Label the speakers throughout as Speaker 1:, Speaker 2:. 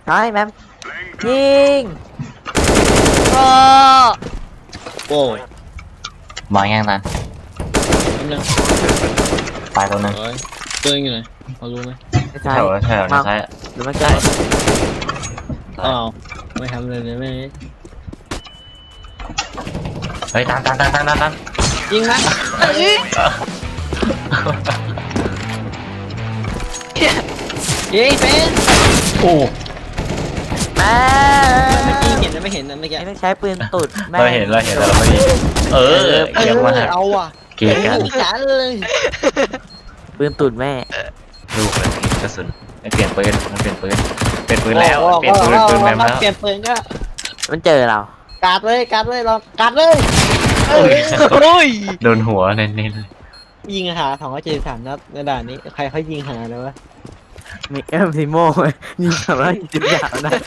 Speaker 1: ใช่แมมยิง
Speaker 2: โอ้
Speaker 3: โอ้ย
Speaker 4: มองยังตัน
Speaker 3: อันนึง
Speaker 4: ตายตัวนึง
Speaker 3: เฮ้ยตัวเองอยู่ไหนพอรู้ไหม
Speaker 1: ไม่ใช่
Speaker 4: แถวแถว
Speaker 1: มา
Speaker 4: ใช่
Speaker 1: หรือไม่ใช่
Speaker 3: อ้าวไม่ทำเลยเลยไม่
Speaker 4: เฮ้ยตัน
Speaker 3: ยิงนะ ยิงเป็น
Speaker 4: โอ้
Speaker 1: แม่
Speaker 3: เมื่อกี้เห็นนะไม่เห็นนะเมื่อกี้
Speaker 1: ไอ้ต้องใช้ปืนตุดแม่
Speaker 4: เราเห็นแต่เราไม่ดีเออเกี่ยวมา
Speaker 3: เอาว่ะ
Speaker 4: เกี่ยวกัน
Speaker 3: จันเลย
Speaker 1: ปืนตุดแม่
Speaker 4: ลูกเลยกระสุนเปลี่ยนปืนมันเปลี่ยนปืนแล้วเปลี่ยนปืนแมมแล้ว
Speaker 3: เปลี่ยนปืนก็
Speaker 1: มันเจอเรา
Speaker 3: การเลยลองการเลย
Speaker 2: โอ้ย
Speaker 4: โดนหัวเน้นเลย
Speaker 3: ยิงหา273นัดในด่านนี้ใครเขายิงหาเลยวะ
Speaker 1: มีเอ็มซิโม่ยิงสามารถยิงยาวนะ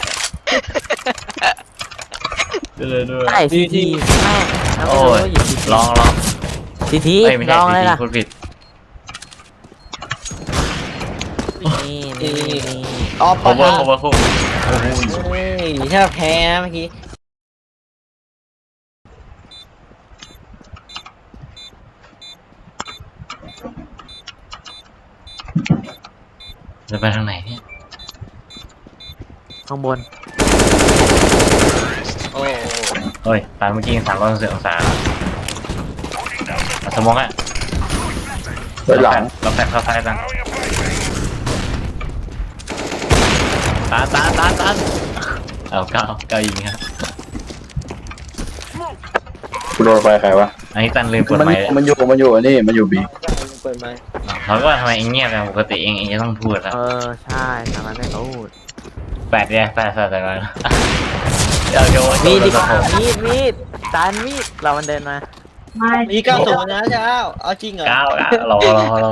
Speaker 4: เลยด้วย
Speaker 1: ใช่ซีทีแม่แล้วไม่
Speaker 4: โอ้
Speaker 1: รู้
Speaker 4: ย
Speaker 1: ว่าอยู่ซีที
Speaker 4: ลอง
Speaker 1: ซีที
Speaker 4: เอ้ยไม่
Speaker 1: ล
Speaker 4: ใช่
Speaker 1: องเลย
Speaker 4: ที
Speaker 1: ล่ะ
Speaker 4: พูดผิด
Speaker 1: นี่
Speaker 3: ออฟ
Speaker 4: โคเวอร์พุ่ง
Speaker 3: เฮ้ยถ้าแพ้เมื่อกี้
Speaker 4: จะไปทางไหนเนี่ย
Speaker 1: ข้างบน
Speaker 3: โอ้
Speaker 4: เฮ้ยตามเมื่อกี้360องศาสมองอ่ะ
Speaker 5: ไปหลัง
Speaker 4: เราแฟเข้าซ้ายกันตันเอาเก้ายิงครับ
Speaker 5: กูโดนไฟใครวะ
Speaker 4: อันนี้ตันลืมเปิด
Speaker 5: มัน
Speaker 4: ไมค์
Speaker 5: มันอยู่อันนี้มันอยู่บี
Speaker 3: เปิดไมค์
Speaker 4: เขาก็ทำไมเองเงียบอย่างปกติเองจะต้องพูดแล้ว
Speaker 1: ใช่ทำไมไม่พูด
Speaker 4: แปดแต่ก่อนเดี๋ยวโยน
Speaker 1: มีดดิ
Speaker 4: ผม
Speaker 1: มีดจานมีดเรามันเดินมา
Speaker 3: มี90นะเจ้าเอาจริงเหรอ
Speaker 4: เก้ารอ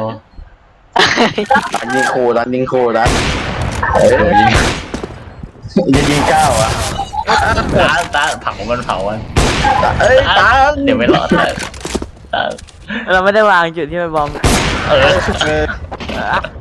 Speaker 5: รันยิงโครันเอ้ยยิงเก้าอ่ะ
Speaker 4: ตาเผามัน
Speaker 5: เอ้ยตาม
Speaker 4: เดี๋ยวไม่รอด
Speaker 1: เราไม่ได้วางจุดที่ไปบอม
Speaker 4: เออ
Speaker 5: เออ